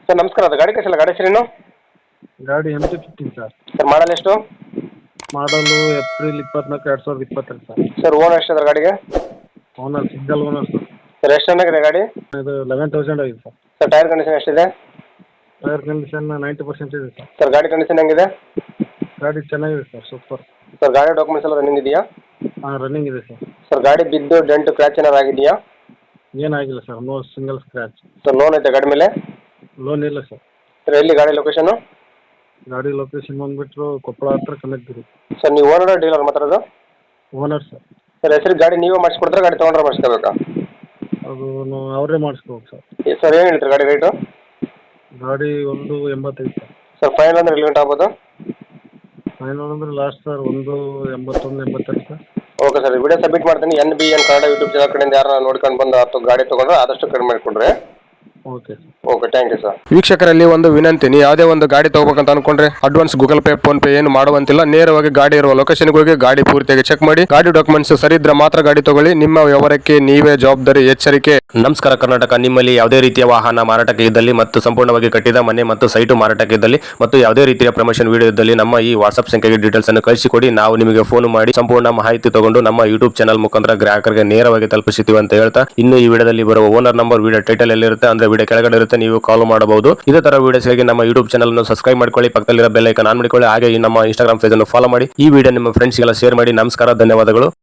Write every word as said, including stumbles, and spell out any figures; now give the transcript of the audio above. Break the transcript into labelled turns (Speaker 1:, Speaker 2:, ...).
Speaker 1: Sir ನಮಸ್ಕಾರ, ಅದು ಗಾಡಿ ಕಳಿಸಲ್ಲ, ಗಾಡಿ ಹೆಸರೇನು?
Speaker 2: ಗಾಡಿ M T fifteen sir.
Speaker 1: Sir model ಎಷ್ಟು?
Speaker 2: ಮಾಡಲು ಏಪ್ರಿಲ್ ಇಪ್ಪತ್ನಾಲ್ಕು ಎರಡು ಸಾವಿರದ ಇಪ್ಪತ್ತೆರಡು ಸರ್.
Speaker 1: ಸರ್ ಓನರ್ ಎಷ್ಟು ಅದ್ರ ಗಾಡಿಗೆ?
Speaker 2: Owner single owner sir.
Speaker 1: Sir ಎಷ್ಟು ಚೆನ್ನಾಗಿದೆ ಗಾಡಿ?
Speaker 2: ಇದು ಲೆವೆನ್ ತೌಸಂಡ್ ಆಗಿದೆ ಸರ್.
Speaker 1: ಸರ್ ಟೈರ್ ಕಂಡೀಷನ್ ಎಷ್ಟಿದೆ?
Speaker 2: ಟೈರ್ ಕಂಡೀಷನ್ ನೈಂಟಿ ಪರ್ಸೆಂಟ್ ಇದೆ ಸರ್.
Speaker 1: ಸರ್ ಗಾಡಿ ಕಂಡೀಷನ್ ಹೆಂಗಿದೆ?
Speaker 2: ಗಾಡಿ ಚೆನ್ನಾಗಿದೆ ಸರ್, ಸೂಪರ್.
Speaker 1: ಸರ್ ಗಾಡಿ ಡಾಕ್ಯುಮೆಂಟ್ಸ್ ಎಲ್ಲ ರನ್ನಿಂಗ್ ಇದೆಯಾ?
Speaker 2: ಹಾಂ ರನ್ನಿಂಗ್ ಇದೆ ಸರ್.
Speaker 1: ಸರ್ ಗಾಡಿ ಬಿದ್ದು ಡೆಂಟ್ ಕ್ರ್ಯಾಚ್ ಏನಾರು ಆಗಿದೆಯಾ?
Speaker 2: ಏನಾಗಿಲ್ಲ sir, no single scratch.
Speaker 1: Sir loan ಐತೆ ಗಾಡಿ ಮೇಲೆ?
Speaker 2: ಲೋನ್ ಇಲ್ಲ ಸರ್.
Speaker 1: ಸರ್ ಎಲ್ಲಿ ಗಾಡಿ ಲೊಕೇಶನು?
Speaker 2: ಗಾಡಿ ಲೊಕೇಶನ್ ಬಂದುಬಿಟ್ಟು ಕೊಪ್ಪಳ ಹತ್ರ ಕನಕಗಿರಿ.
Speaker 1: ಸರ್ ನೀವು ಓನರ್ ಡೀಲರ್ ಮಾತಾಡೋದು?
Speaker 2: Owner sir.
Speaker 1: ಸರ್ ಹೆಸರು ಗಾಡಿ ನೀವೇ ಮಾಡಿಸ್ಕೊಡ್ತಾರೆ, ಗಾಡಿ ತೊಗೊಂಡ್ರೆ ಮಾಡಿಸ್ಕೋಬೇಕಾ?
Speaker 2: ಅದು ನಾವು ಅವರೇ ಮಾಡಿಸ್ಕೋಬೇಕು ಸರ್.
Speaker 1: ಸರ್ ಏನು ಹೇಳ್ತೀರಿ ಗಾಡಿ ರೇಟು?
Speaker 2: ಗಾಡಿ ಒಂದು ಎಂಬತ್ತೈದು ಸರ್.
Speaker 1: ಸರ್ ಫೈನಲ್ ಅಂದ್ರೆ ಎಲ್ಲಿ ಗಂಟೆ ಆಗ್ಬೋದು?
Speaker 2: ಫೈನಲ್ ಅಂದ್ರೆ ಲಾಸ್ಟ್ ಸರ್ ಒಂದು ಎಂಬತ್ತೊಂದು ಎಂಬತ್ತೆರಡು sir.
Speaker 1: Okay sir, video submit ಮಾಡ್ತೀನಿ. N B N Kannada YouTube channel ಕಡೆಯಿಂದ ಯಾರು ನೋಡ್ಕೊಂಡು ಬಂದು ಅಥವಾ ಗಾಡಿ ತೊಗೊಂಡ್ರೆ ಆದಷ್ಟು ಕಡಿಮೆ ಮಾಡಿಕೊಡ್ರಿ.
Speaker 2: Okay
Speaker 1: okay, thank you sir.
Speaker 3: ವೀಕ್ಷಕರಲ್ಲಿ ಒಂದು ವಿನಂತಿ, ನೀವು ಯಾವುದೇ ಒಂದು ಗಾಡಿ ತಗೋಬೇಕಂತ ಅನ್ಕೊಂಡ್ರೆ advance Google Pay PhonePe ಏನು ಮಾಡುವಂತಿಲ್ಲ. ನೇರವಾಗಿ ಗಾಡಿ ಇರುವ ಲೊಕೇಶನ್ಗೆ ಹೋಗಿ ಗಾಡಿ ಪೂರ್ತಿಯಾಗಿ ಚೆಕ್ ಮಾಡಿ, ಗಾಡಿ ಡಾಕ್ಯುಮೆಂಟ್ಸ್ ಸರಿ ಇದ್ರೆ ಮಾತ್ರ ಗಾಡಿ ತಗೊಳ್ಳಿ. ನಿಮ್ಮ ವ್ಯವಹಾರಕ್ಕೆ ನೀವೇ ಜವಾಬ್ದಾರಿ, ಎಚ್ಚರಿಕೆ. ನಮಸ್ಕಾರ ಕರ್ನಾಟಕ. ನಿಮ್ಮಲ್ಲಿ ಯಾವುದೇ ರೀತಿಯ ವಾಹನ ಮಾರಾಟಕ್ಕೆ ಇದ್ದಲ್ಲಿ ಮತ್ತು ಸಂಪೂರ್ಣವಾಗಿ ಕಟ್ಟಿದ ಮನೆ ಮತ್ತು ಸೈಟು ಮಾರಾಟಕ್ಕೆ ಇದ್ದಲ್ಲಿ ಮತ್ತು ಯಾವುದೇ ರೀತಿಯ ಪ್ರಮೋಷನ್ ವಿಡಿಯೋ ಇದ್ದಲ್ಲಿ ನಮ್ಮ ಈ ವಾಟ್ಸ್ಆಪ್ ಸಂಖ್ಯೆಗೆ ಡೀಟೇಲ್ಸ್ ಅನ್ನು ಕಳಿಸಿಕೊಡಿ. ನಾವು ನಿಮಗೆ ಫೋನ್ ಮಾಡಿ ಸಂಪೂರ್ಣ ಮಾಹಿತಿ ತಗೊಂಡು ನಮ್ಮ ಯೂಟ್ಯೂಬ್ ಚಾನಲ್ ಮುಖಾಂತರ ಗ್ರಾಹಕರಿಗೆ ನೇರವಾಗಿ ತಲುಪಿಸುತ್ತೀವಿ ಅಂತ ಹೇಳ್ತಾ, ಇನ್ನು ಈ ವಿಡಿಯೋದಲ್ಲಿ ಬರುವ ಓನರ್ ನಂಬರ್ ವಿಡಿಯೋ ಟೈಟಲ್ ಎಲ್ಲಿರುತ್ತೆ ಅಂದ್ರೆ ವಿಡಿಯೋ ಕೆಳಗಡೆ ಇರುತ್ತೆ, ನೀವು ಕಾಲ್ ಮಾಡಬಹುದು. ಇದೇ ತರ ವಿಡಿಯೋಸ್ಗಾಗಿ ನಮ್ಮ ಯೂಟ್ಯೂಬ್ ಚಾನಲ್ ಅನ್ನು ಸಬ್ಸ್ಕ್ರೈಬ್ ಮಾಡ್ಕೊಳ್ಳಿ, ಪಕ್ಕದಲ್ಲಿರೋ ಬೆಲ್ ಐಕಾನ್ ಆನ್ ಮಾಡಿಕೊಳ್ಳಿ. ಹಾಗೆ ಈ ನಮ್ಮ ಇನ್ಸ್ಟಾಗ್ರಾಮ್ ಪೇಜ್ ಅನ್ನು ಫಾಲೋ ಮಾಡಿ. ಈ ವಿಡಿಯೋ ನಿಮ್ಮ ಫ್ರೆಂಡ್ಸ್ಗೆಲ್ಲ ಶೇರ್ ಮಾಡಿ. ನಮಸ್ಕಾರ, ಧನ್ಯವಾದಗಳು.